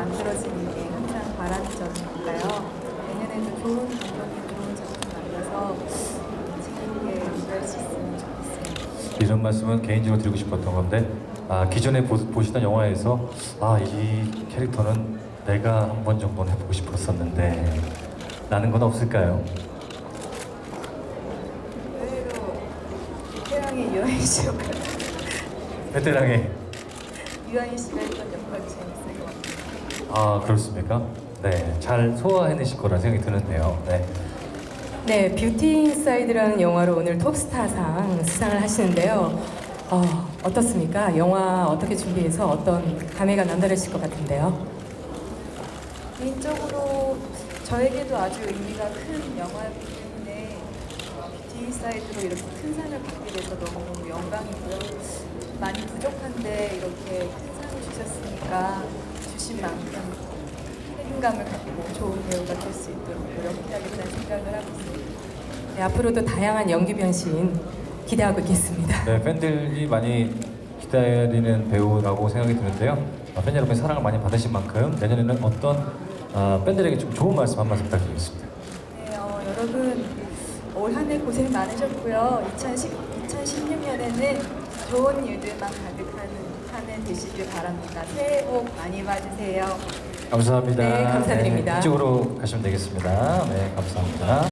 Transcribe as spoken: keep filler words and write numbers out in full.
만들어지는 게 항상 바라는 점이니까요. 내년에도 좋은 감독님, 좋은 작품 만나서 재밌게 연구할 수 있으면 좋겠습니다. 이런 말씀은 개인적으로 드리고 싶었던 건데, 아, 기존에 보, 보시던 영화에서 아, 이 캐릭터는 내가 한 번 정도는 해보고 싶었었는데 라는 건 없을까요? 의외로 태양의 유아인 씨 역할, 베테랑의 유아인 씨가 했던 역할이 재밌을 것 같아요. 아, 그렇습니까? 네, 잘 소화해내실 거라 생각이 드는데요. 네. 네, 뷰티 인사이드라는 영화로 오늘 톱스타상 수상을 하시는데요. 어, 어떻습니까? 영화 어떻게 준비해서 어떤 감회가 남다르실 것 같은데요? 개인적으로 저에게도 아주 의미가 큰 영화였기 때문에 뷰티 인사이드로 이렇게 큰 상을 받게 돼서 너무 영광이고요. 많이 부족한데 이렇게 큰 상을 주셨으니까 주신 만큼 책임감을 갖고 좋은 배우가 될 수 있도록 노력해야겠다는 생각을 하고 있습니다. 네, 앞으로도 다양한 연기 변신 기대하고 있겠습니다. 네, 팬들이 많이 기다리는 배우라고 생각이 드는데요. 어, 팬 여러분의 사랑을 많이 받으신 만큼 내년에는 어떤 어, 팬들에게 좀 좋은 말씀 한 말씀 부탁드리겠습니다. 네, 어, 여러분 올 한 해 고생 많으셨고요. 이천십육 년에는 좋은 일들만 가득한 한 해 되시길 바랍니다. 새해 복 많이 받으세요. 감사합니다. 네, 감사드립니다. 네, 이쪽으로 가시면 되겠습니다. 네, 감사합니다.